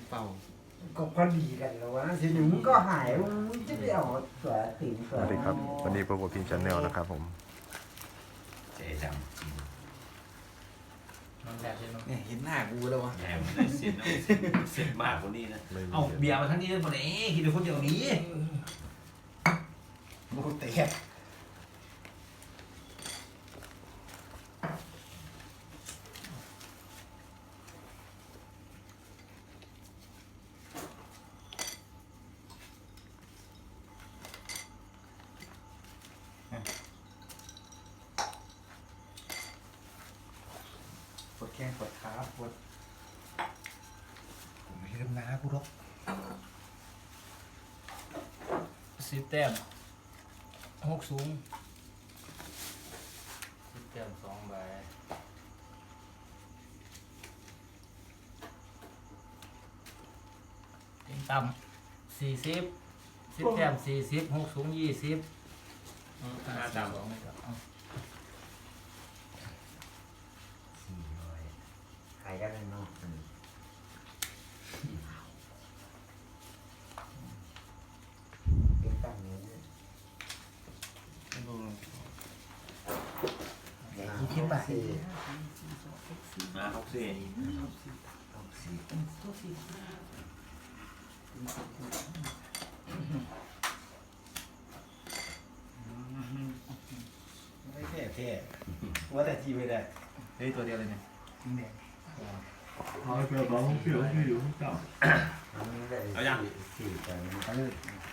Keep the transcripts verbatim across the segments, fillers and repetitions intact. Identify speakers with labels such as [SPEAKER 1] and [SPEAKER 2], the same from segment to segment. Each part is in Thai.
[SPEAKER 1] เป่า
[SPEAKER 2] ก็พอดีกันแล้ววะทีนี้มึงก็หายมึงจะไปเอาตัวติ๋งตั
[SPEAKER 3] ส
[SPEAKER 2] ว
[SPEAKER 3] วัสดีครับวันนี้พบกับพิมพ์ชาแนลนะครับผม
[SPEAKER 4] เจ๊จัง
[SPEAKER 1] มันแบบเดียว
[SPEAKER 5] เนี่ยเห็นหน้ากูแล้ววะ
[SPEAKER 4] แหมมันได้เสียนเอาเสียนเสียนมากกว่านี้นะ
[SPEAKER 3] ไม่มี
[SPEAKER 4] เอาเบียร์มาทั้งนี้เลยหมดเองกินแต่คนเดียวนี้
[SPEAKER 5] กูเตะปวดแข้งปวดขาปวดผมไม่ลืมนะกูหรอก
[SPEAKER 1] สิบแต้มหกสูงสิบแต้มสองใบเต็งต่ำสี่สิบสิบแต้มสี่สิบหกสูงยี่สิบห้าต่ำสองไม่ต่ำ
[SPEAKER 2] สี่ร้อยขายกันเลยเนาะเป็นตั้งนี้
[SPEAKER 5] ยี่สิบบาท
[SPEAKER 2] สี่
[SPEAKER 4] มาหกสี่
[SPEAKER 2] หกสี่
[SPEAKER 5] ไม่เท่เท่ว่าแต่ทีไม่ได้
[SPEAKER 1] เฮ้ยตัวเดียวเลยเนี่ย
[SPEAKER 5] ทีแดง
[SPEAKER 2] อันนี้ได้สี่แต่
[SPEAKER 5] เอาเลย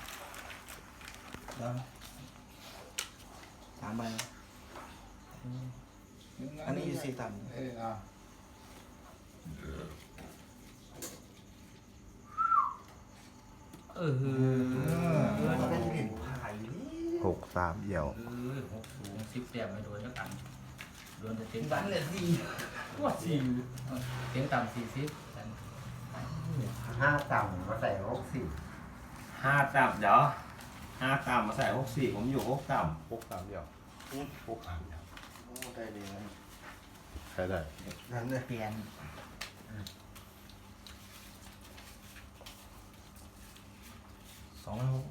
[SPEAKER 5] แล้วสามใบอันนี้อยู่สี่ต่ำเอออ่ะ
[SPEAKER 1] เออเออ
[SPEAKER 2] เป็นเหรียญพายนี่
[SPEAKER 3] หกสามเอี่ยว
[SPEAKER 1] เออหกสูงสิบแต้มไม่โดนแล้วกันโดนแต่เต็ง
[SPEAKER 5] บ้าน
[SPEAKER 1] ต่ำ
[SPEAKER 5] เลยสี่
[SPEAKER 1] ว่าสี่เต็งต่ำสี่สิบ
[SPEAKER 2] ห้าต่ำมาใส่หกสี่
[SPEAKER 4] ห้าต่ำเดี๋ยวห้าต่ำมาใส่หกสี่ผมอยู่หกต่
[SPEAKER 3] หกสามเอี่ยวหกสามเอี่ยว
[SPEAKER 5] โอ้ได้เลยนะ
[SPEAKER 3] ใช้ได้
[SPEAKER 5] นั่นเลยเปลี่ยนสองร้อยหก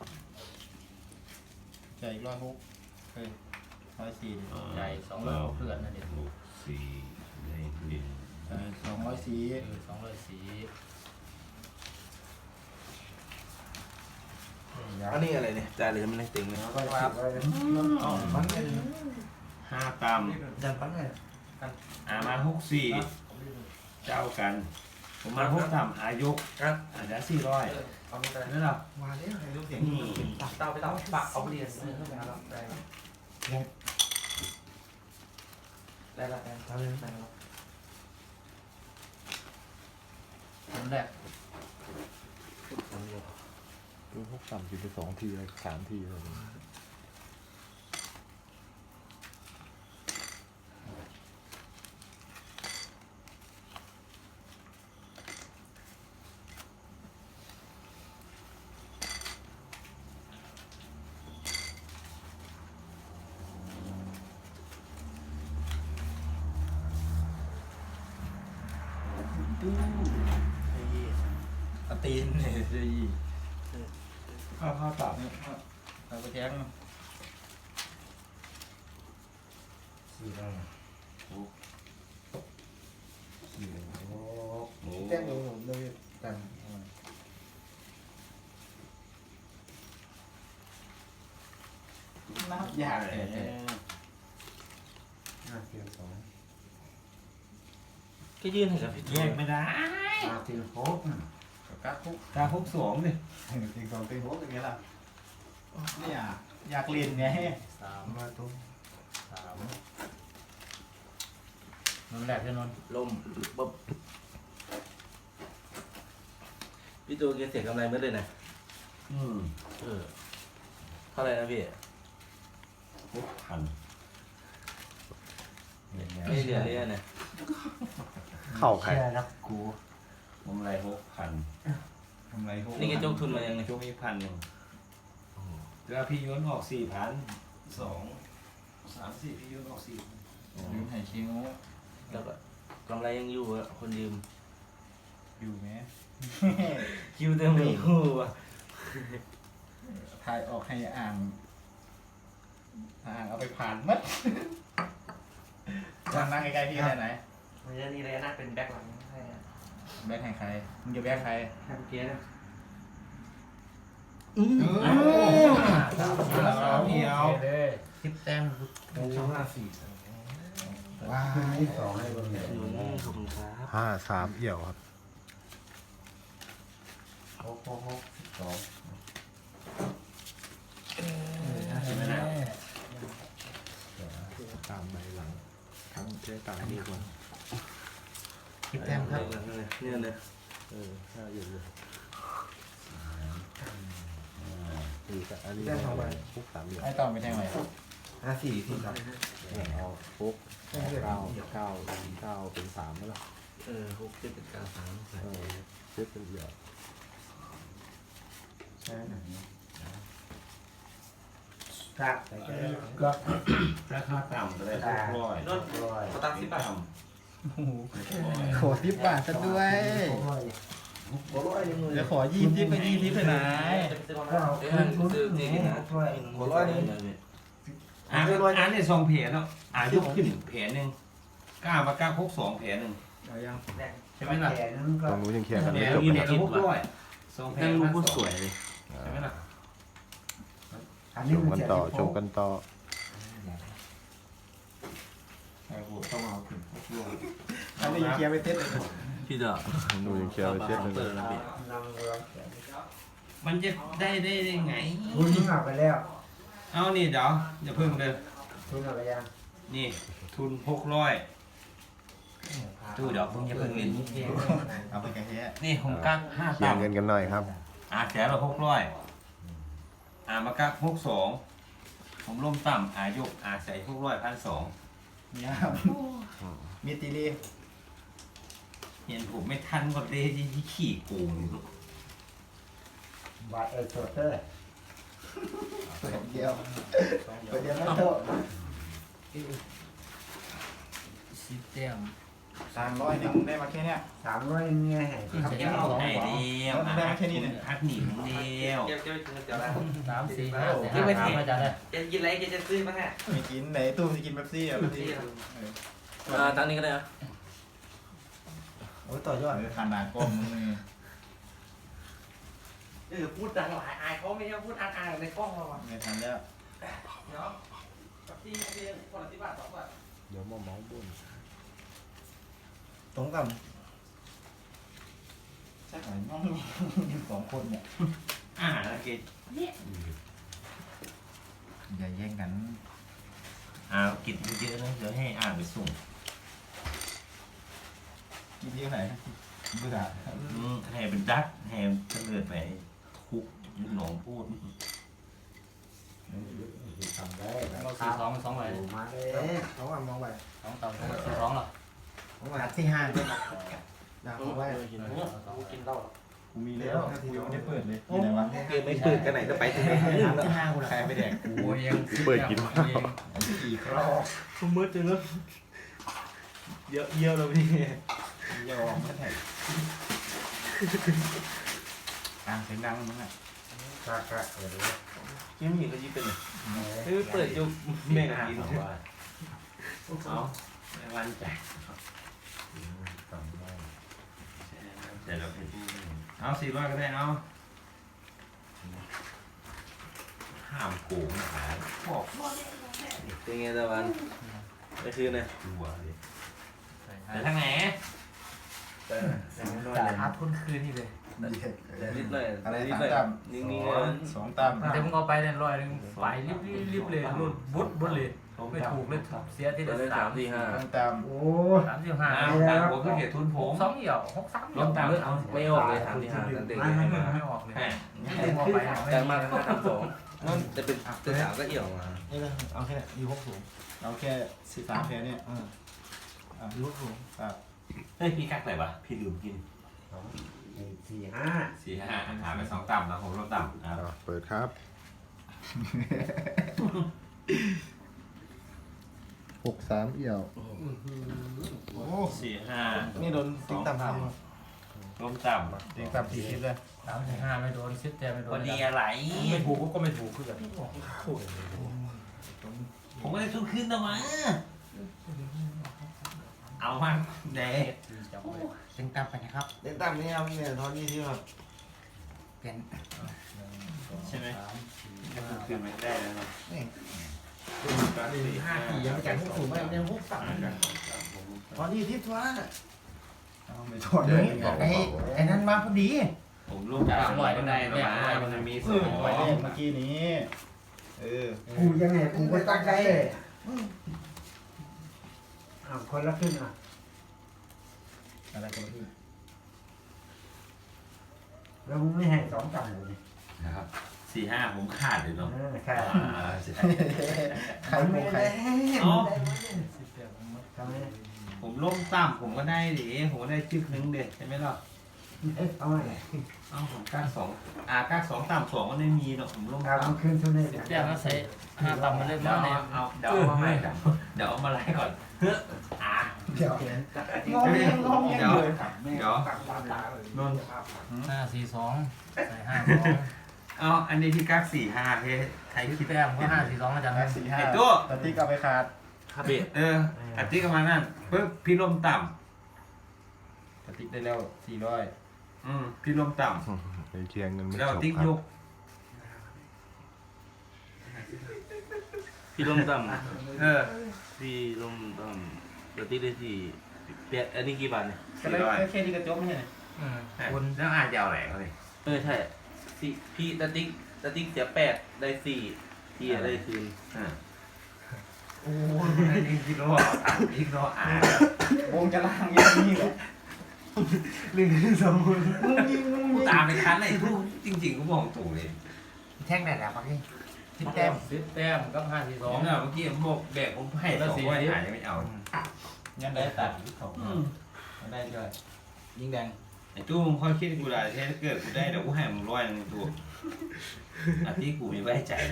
[SPEAKER 5] ใจร้อยหกเฮ้ยร้อยสี่
[SPEAKER 4] ำ
[SPEAKER 1] ใจสองร้อยเพื่อนนะเด็ก
[SPEAKER 4] หกสี่ในหนึ่ง
[SPEAKER 5] ใจสองร้อยสี่
[SPEAKER 1] เออสองร้อยสี่
[SPEAKER 5] อันนี้อะไรเนี่ยจ่ายเลยมันได้ติงเลย
[SPEAKER 2] แล้วก็สิบไว้
[SPEAKER 5] อ๋อปั้นเลย
[SPEAKER 4] ห้าต่
[SPEAKER 5] จัดปั้นเลย
[SPEAKER 4] ำอ่ามาหกสี่เจ้ากัน ผมมาหกต่ำหายก
[SPEAKER 5] ครับ
[SPEAKER 4] อาจจะสี่ร้อย
[SPEAKER 1] เอาไป
[SPEAKER 4] นั่นหรอ
[SPEAKER 5] มาแล้วให้ลูกเสียง
[SPEAKER 4] นี่
[SPEAKER 1] เต้าไปเต้าปากเอาไปเรียนเข้าไปแล้วได้ได้ละได้
[SPEAKER 5] ทำเลย
[SPEAKER 1] ได้ละคนแรก
[SPEAKER 3] คือหกสามกินไปสองทีเลยสามทีเลย
[SPEAKER 5] เอาตีนเนี่ย
[SPEAKER 1] ข้าวข้าวตับเนี่ยเอาไปแจ้ง
[SPEAKER 2] สี่ได้
[SPEAKER 4] โอ้
[SPEAKER 2] สี่โอ้
[SPEAKER 4] โห
[SPEAKER 5] แจ้งผมเลยกัน
[SPEAKER 4] ยากเลย
[SPEAKER 2] ห้าเทียมสอง
[SPEAKER 5] ก็ยื่นให้กับพี่
[SPEAKER 4] แยกไม่ได้
[SPEAKER 2] ห้าเทียมหก
[SPEAKER 5] กัดคุก
[SPEAKER 4] ตาหกสองดิ
[SPEAKER 5] ติงสองติงหกอย่างเงี้ยล่ะเนี่ยอยากเรียนไง
[SPEAKER 1] สาม
[SPEAKER 5] มาตุ้ม
[SPEAKER 1] สามนนแรกใช่นน
[SPEAKER 5] ลมปุ๊บพี่ตัวเกษตรกำไรเมื่อเลยนะ
[SPEAKER 4] อืม
[SPEAKER 5] เออเท่าไหร่นะพี่
[SPEAKER 4] หกพัน
[SPEAKER 5] ไม่เหลือเลยนะ
[SPEAKER 3] เข้าใคร
[SPEAKER 2] เชื่อแล้วกู
[SPEAKER 4] ผมไรหกพัน
[SPEAKER 5] ทำไรนี่แกจกทุนมายังไง
[SPEAKER 4] ช่วงนี้พันหนึ่งแล้วพี่ย้อนออกสี่พันสองสามสี่พี่ย้อนออกสี่
[SPEAKER 1] ลืมให้ชิง
[SPEAKER 5] แล้วก็กำไรยังอยู่อะคนยืม
[SPEAKER 4] อ
[SPEAKER 5] อยู่ไหม
[SPEAKER 4] คิวเต็มมีหูอ่ะ
[SPEAKER 5] ถ่ายออกให้อ่างอ่างเอาไปผ่านมัดนั่งนั่งใกล้ๆพี่ได้ไหน
[SPEAKER 6] มันจะนี่เลยนะเป็นแบ็คหลังให้
[SPEAKER 5] แบกให้ใครมึงจะแบกใคร
[SPEAKER 6] ทำเกียร์นะ
[SPEAKER 1] สามเดียวเลยสิบแต้ม
[SPEAKER 6] ช่องห้าสี่
[SPEAKER 5] ว้า
[SPEAKER 2] คืน
[SPEAKER 5] ว
[SPEAKER 2] นี้สองให้คนเดียว
[SPEAKER 6] หนุนขอบคุณครับ
[SPEAKER 3] ห้าสามเอี่ยวครับ
[SPEAKER 2] หกหกหกสิบสอง
[SPEAKER 1] เห็นไหมนะ
[SPEAKER 3] ตามใบหลังทั้งเจ๊ตามนี่คน
[SPEAKER 5] คิดแต้มครับ
[SPEAKER 6] เนี่ยเลย
[SPEAKER 3] เออห้าเอี่ยวเลยนี่ก็อันนี้ฟุกสามเอี่ยว
[SPEAKER 5] ไอ้ต่อไปแทงไหน
[SPEAKER 2] ห้าสี่ที่สอง
[SPEAKER 3] เนี่ยเอาฟุกเก้าเก้าเก้าเป็นสามไหมล่ะ
[SPEAKER 6] เออหกเจ็ดแปดเก้าสาม
[SPEAKER 3] เออเจ๊เป็นเอี่ยว
[SPEAKER 2] ใช่ไหมครับแต่ก็
[SPEAKER 1] ก็
[SPEAKER 4] ราคาต่ำเลยหกร้อย
[SPEAKER 6] นนท์
[SPEAKER 2] ร้อย
[SPEAKER 6] เขาตั้งสิบบาท
[SPEAKER 5] ขอสิบบาทซะด้วย
[SPEAKER 2] ร้อยหกร้อยหนึ่งเลย
[SPEAKER 5] เดี๋ยวขอยี่สิบไปยี่สิบไปไหน
[SPEAKER 2] ก็เอาคืนทุนหนึ่งหกร้อย
[SPEAKER 6] หัวร้อยนึง
[SPEAKER 4] อ่านอ่านในสองแผลเนาะอ่านยกขึ้นแผลหนึ่งก้ามาก้าพกสองแผลหนึ่ง
[SPEAKER 5] เอายัง
[SPEAKER 4] ใช่ไหมล่ะ
[SPEAKER 2] แขนนั้นก็
[SPEAKER 3] ตรงนู้นยังเคลียร์กัน
[SPEAKER 4] แผล
[SPEAKER 3] ไม่จบ
[SPEAKER 4] นี้
[SPEAKER 3] นะ
[SPEAKER 4] เนี่ย
[SPEAKER 3] ครับ
[SPEAKER 4] หกร้อยสองแผล
[SPEAKER 6] นั่งรูป
[SPEAKER 4] พัน
[SPEAKER 6] ผู้
[SPEAKER 4] ส
[SPEAKER 6] ส
[SPEAKER 4] อง
[SPEAKER 6] วยเลย
[SPEAKER 4] ใช่ไหมล่ะ
[SPEAKER 2] อัน
[SPEAKER 3] ช
[SPEAKER 2] นี้
[SPEAKER 3] ม
[SPEAKER 2] มัน
[SPEAKER 3] กัน
[SPEAKER 2] จะ
[SPEAKER 3] ต่อชมกันต่อ
[SPEAKER 4] ไอ้โหต้องเอาขึ้นหกร้อย
[SPEAKER 5] อันนี้ยังเคลียร์ไปเซ็ตเลย
[SPEAKER 6] พี่เด้อ
[SPEAKER 3] ดูยังเคลียร์ไปเช็ดเลย
[SPEAKER 6] เปิด
[SPEAKER 3] นะ
[SPEAKER 6] นะพี่
[SPEAKER 2] นำรองแขน
[SPEAKER 4] มันจะได้ได้ได้ไง
[SPEAKER 2] คุณมึงเอาไปแล้ว
[SPEAKER 4] เอานี่เดี๋ยวอย่าเพิ่งเด้อ
[SPEAKER 2] คุณเอาไปยัง
[SPEAKER 4] นี่ทุนหกร้อยตู้เดี๋ยวเพิ่งอย่าเพิ่งเล่น
[SPEAKER 5] เอาไปกันแค่
[SPEAKER 4] นี่ผมกักห้า
[SPEAKER 3] เคลีย
[SPEAKER 4] ต่ำ
[SPEAKER 3] ร์เงินกันหน่อยครับ
[SPEAKER 4] อ่าแขนเราหกร้อยอ่ามากักหกสองผมล้มต่ำอายกอาใส่หกร้อยพันสอง
[SPEAKER 5] เนี่ยมีตีรี
[SPEAKER 4] เห็นผมไม่ทันก็เลยที่ขี่โกงอยู่
[SPEAKER 2] บาทเออโซเตอร์
[SPEAKER 5] เปิดเดียวเปิดเดียวแล้วโต
[SPEAKER 1] สิบแต้ม
[SPEAKER 5] สามร้อยหนึ่งได้มาแค่เนี้ย
[SPEAKER 2] สามร้อยเงี้ยให้
[SPEAKER 1] ที่จะ
[SPEAKER 4] เดียว
[SPEAKER 1] เอา
[SPEAKER 4] ไอ้เดียว
[SPEAKER 5] แล้วได้มาแค่นี้เนี่ย
[SPEAKER 4] พักหนีผมเดียว
[SPEAKER 6] เก็บเก็บเก็บเดี๋ยวนะ
[SPEAKER 1] สามสี่ห้าสี่ห้าสามมาจากเลย
[SPEAKER 6] แกกินอะไรแกจะซื้อมาฮะ
[SPEAKER 5] ไม่กินไหนตู้จะกินเป๊ปซี่อ่ะเป๊ปซี่
[SPEAKER 6] อ่าตั้งนี้ก็ได้นะ
[SPEAKER 2] โอ้ยต่อยอด
[SPEAKER 5] เออขนาดก้มมึงนี่
[SPEAKER 6] เออพูดดังหลายอายเขาไม่ใช่พูดอายในกล้องเราอ่ะ
[SPEAKER 5] ไม่ทันแล้ว
[SPEAKER 6] เนาะกับที่ที่คนละสิบบาทสองบาท
[SPEAKER 3] เดี๋ยวมาเมาส์บน
[SPEAKER 5] ตรงกับใช่ไหมน้องสองคนเนี่ย
[SPEAKER 4] อ่าแล้วเก
[SPEAKER 5] อย่าแย่งกัน
[SPEAKER 4] อ่ากินเยอะๆนะเดี๋ยวให้อ่านไปส่ง
[SPEAKER 5] กินเยอะไหนเบื่อ
[SPEAKER 4] อืมให้เป็นดักให้เฉลิดไปทุกลูกน้องพูด
[SPEAKER 2] ทำได้
[SPEAKER 1] เราสี่สองเป็นสองใบ
[SPEAKER 2] มาเลย
[SPEAKER 5] เขาว่ามองไป
[SPEAKER 1] สองต่ำสี่สองเหรอ
[SPEAKER 5] หัดที่ห้าด้วยนะดาวเขาไว้
[SPEAKER 6] กินเหล้า
[SPEAKER 5] กูมีแล้วกูยังไม่ได้เปิดเลยมีอะไรวะ
[SPEAKER 6] เกมไม่ตื่นกันไหนก็ไปถึงไหน
[SPEAKER 5] หัดที่ห้ากูใครไปแดกกู
[SPEAKER 1] โอ้ยยัง
[SPEAKER 3] เปิดกิน
[SPEAKER 1] เอง
[SPEAKER 5] กี่ครอบ
[SPEAKER 6] ทุ่มมืดจังเลยเยอะเยอะเลยพี่
[SPEAKER 5] ยอมไม่แท็กดังเสียงดังมึงอ่ะ
[SPEAKER 2] กะกะเออ
[SPEAKER 6] ยังมีก็ยิ่งเป็นเฮ้ยเปิดยุบแม่กิน
[SPEAKER 4] เอาไม่วันใจแต่เราเป็นผู้เอาสี่ร้อยก็ได้เอาห้ามโกงขายบอก
[SPEAKER 6] เป็นไงตะวันไปคืนนะ
[SPEAKER 4] ตัวเลยแต่ทางไหน
[SPEAKER 1] จ่ายอาทุนคืนนี่เลย
[SPEAKER 6] นิดหน่อย
[SPEAKER 5] อะไร
[SPEAKER 6] นิด
[SPEAKER 5] สาม
[SPEAKER 6] หน่อย
[SPEAKER 5] ตั้ม
[SPEAKER 6] นิ่งๆ
[SPEAKER 5] ส
[SPEAKER 6] นะ
[SPEAKER 5] องสองตั้ม
[SPEAKER 1] แต่มึงเอาไปเนี่ยร้อยหนึงไปรีบรีบรีบเลยรุ่นบุดบุดเลยไม่ถูกเลยเสียที่
[SPEAKER 6] เดี๋
[SPEAKER 1] เดื
[SPEAKER 6] ย
[SPEAKER 1] อ
[SPEAKER 6] วน ได้
[SPEAKER 1] สา
[SPEAKER 6] สาม มสี่ห้า
[SPEAKER 5] ตั้งตั้ม
[SPEAKER 2] โอ้
[SPEAKER 1] สามสิบห้า
[SPEAKER 4] อ่าตามหัวก็เหตุทุนผ
[SPEAKER 1] ห
[SPEAKER 4] ม
[SPEAKER 1] กสองเหี่ยวหกสามเหี่ยว
[SPEAKER 4] ล้มตาม
[SPEAKER 1] เลย
[SPEAKER 4] เอา
[SPEAKER 6] ไม่ออกเลยสามสี่ห้าตั้งแต่
[SPEAKER 1] ไม่ไม่ไม่ออกเลย
[SPEAKER 4] แหม
[SPEAKER 1] ไม่ออกไป
[SPEAKER 6] แต่มาถ้าทำสองนั่นจะเป็นตัวสามก็เอี่ยวมา
[SPEAKER 5] นี่เลยเอาแค่ยูหกสูงเอาแค่สิบสามแค่เนี่ยอ่ายูหกสูงครับ
[SPEAKER 4] เฮ้ยพี่กักไหนวะพี่ลืมกิน
[SPEAKER 2] สี่ห้า
[SPEAKER 4] สี่ห้าหาไปสองต่ำแล้วผมลดต่ำอ่า
[SPEAKER 3] อ่ะเปิดครับหกสามเอี่ยว
[SPEAKER 5] โอ้
[SPEAKER 4] สี่ห้า
[SPEAKER 5] นี่โดน
[SPEAKER 4] ส
[SPEAKER 5] ติ๊
[SPEAKER 4] อก ง
[SPEAKER 5] ต่ำ
[SPEAKER 4] ต่
[SPEAKER 5] ทำ
[SPEAKER 4] ลมต่ำ
[SPEAKER 5] ตีต่ำสี่สิบเลย
[SPEAKER 1] สามสี่ห้าไม่โดนสิบแต้มไม่โดน
[SPEAKER 4] พอดีอะไร
[SPEAKER 1] ไม่ถูกก็ไม่ถูกคือกัน
[SPEAKER 4] ผมก็เลยทุกขึ้นนะวะเอามาเด็ก
[SPEAKER 5] เต็งต่ำไปนะครับ
[SPEAKER 2] เล่นตามนี้ครับเนี่ยตอนนี้ที่แบบ
[SPEAKER 5] เปลี่ยน
[SPEAKER 4] ใช่ไหมจะทุกขึ้นไม่ได้แล้วเนาะ
[SPEAKER 2] ห้าปียังไม่จ่ายพวกสูงไม่ยังพวกต่ำตอนนี้ที่ทัวร์
[SPEAKER 5] ไม่ถอดเลยไอ้ไอ้นั่นมาพอดี
[SPEAKER 4] ผมร่วมต่ำก็ได้นะวะมันมีส
[SPEAKER 5] เออ
[SPEAKER 4] ม
[SPEAKER 5] ไป
[SPEAKER 4] อ
[SPEAKER 5] เล่
[SPEAKER 4] ง
[SPEAKER 5] นเมื่อกี้นี้เออ
[SPEAKER 2] กูยังไงกูก็ตั้งใจเลยอ่าคนละครึ่งอ่ะ
[SPEAKER 5] อะไรกันพี่
[SPEAKER 2] แล้วมึงไม่ให้สองต่ำเลย
[SPEAKER 4] นะครับสี่ห้าผมขาดเลยเนาะ
[SPEAKER 2] เออใช่
[SPEAKER 4] อ่าใช่
[SPEAKER 5] ใครโมใคร
[SPEAKER 4] อ๋อ
[SPEAKER 1] สิบแต้มมัน
[SPEAKER 2] ทำไม
[SPEAKER 4] ผมร่วมต่ำผมก็ได้ดิผมก็ได้จึกนึงเด็ดใช่ไหมล่ะ
[SPEAKER 2] เอาไง
[SPEAKER 4] เอ้าผมก้าสองอ่าก้าสองต่ำสองก็ไม่มีเนาะผมร่วม
[SPEAKER 2] เอา
[SPEAKER 4] ต่ำ
[SPEAKER 2] มาคืนทุนเลย
[SPEAKER 1] สิบแต้มแล้วใส่ห้าต่ำมาเล่น
[SPEAKER 4] เดี๋ยว
[SPEAKER 1] มาเนี่ย
[SPEAKER 4] เอาเดี๋ยวเอามาให้เดี๋ยวเดี๋ยวเอามาไล่ก่อนเฮ้ออ่า
[SPEAKER 2] เดี๋ยว
[SPEAKER 5] งงยังงงยังเลย
[SPEAKER 4] เดี๋ยว
[SPEAKER 2] นน
[SPEAKER 1] ห้าสี่สองใส่ห้าสอง
[SPEAKER 4] เอาอันนี้ที่กักสี่ห้าเฮ้ยใคร
[SPEAKER 1] สิ
[SPEAKER 4] คิ
[SPEAKER 1] บ
[SPEAKER 4] ด
[SPEAKER 1] แต้มก็ห้าสี่สองอาจารย์
[SPEAKER 5] สี่ห้า
[SPEAKER 4] ไอ้ตัว
[SPEAKER 5] ตะตี้กลับไปขาด
[SPEAKER 6] ครับพี่
[SPEAKER 4] เอออัดที่กันมานั่นปึ๊บพี่ลมต่
[SPEAKER 5] ตะตี้ได้แล้วสี่ร้อย
[SPEAKER 4] ำอืมพี่ลมต่
[SPEAKER 3] ไปเคลียร์เงินไม่
[SPEAKER 4] ำแล้ว
[SPEAKER 3] จบ
[SPEAKER 4] ติ๊ก
[SPEAKER 3] ครั
[SPEAKER 4] ย
[SPEAKER 3] บ
[SPEAKER 4] ก
[SPEAKER 6] พี่ลมต่
[SPEAKER 4] เออ
[SPEAKER 6] ำพี่ลมต่ำปกติได้สี่เปียอันนี้กี่บาทเนี่ย
[SPEAKER 5] ก็เลยแค่นี้ก็จบไม่ใช่
[SPEAKER 1] อืม
[SPEAKER 4] คุณแล้วอาจจะเอาไหนเขาเลย
[SPEAKER 6] เออใช่สี่พี่ตะติ๊กตะติ๊กเสียแปดได้สี่พี่ได้คืน
[SPEAKER 4] อ่าโอ้ยนี่คิดว่าอ่านคิดว่าอ่าน
[SPEAKER 5] วงจะล่างอย่างนี้เหรอ
[SPEAKER 2] หนึ่งสองคน
[SPEAKER 5] มึงยิงมึง
[SPEAKER 4] กู
[SPEAKER 5] ยิง
[SPEAKER 4] ตามไปคันไอ้ทูจริงๆกูบอกถูกเลย
[SPEAKER 5] แท่งไหนแล้วปักนี่ทิป
[SPEAKER 1] แต้
[SPEAKER 5] แต้
[SPEAKER 1] ม
[SPEAKER 5] ม
[SPEAKER 1] สิบแต้มกับห้าสี่ส
[SPEAKER 4] ส
[SPEAKER 1] อ
[SPEAKER 4] อง งเนี่ยเมื่อกี้ผมบอกแบกผมให้สองไว้อ่านยังไม่เอา
[SPEAKER 5] ยังได้ตัดได้ด้วยยิงแดง
[SPEAKER 4] ไอ้ตู้มึงค่อยคิดกูได้ถ้าเกิดกูได้เดี๋ยวกูให้มึงร้อยนึงตัวอันที่กูมีไว้ใจเลย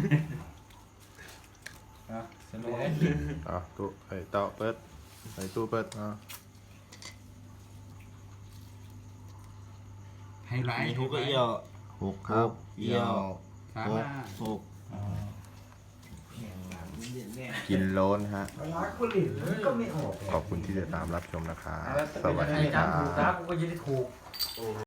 [SPEAKER 5] อ่ะสนุก
[SPEAKER 3] อ่ะตู้ไอ้เต่าเปิดไอ้ตู้เปิดอ่ะ
[SPEAKER 5] ไฮไลท์
[SPEAKER 6] มีทุกก็เอี่ยว
[SPEAKER 3] หกครับ
[SPEAKER 6] เอี่ยว
[SPEAKER 5] สาม
[SPEAKER 6] หก
[SPEAKER 5] ห้า
[SPEAKER 6] หก
[SPEAKER 3] กินโล้นฮะ
[SPEAKER 2] เวลาคนอื่นมันก็ไม่ออก
[SPEAKER 3] ขอบคุณที่ติดตามรับชมนะครับ
[SPEAKER 5] แล้ว
[SPEAKER 3] สวัส
[SPEAKER 1] ไอ้
[SPEAKER 3] ดีค
[SPEAKER 1] จั
[SPEAKER 3] รั
[SPEAKER 1] นถูก
[SPEAKER 3] บ
[SPEAKER 1] ตากูก็ยินดีถูก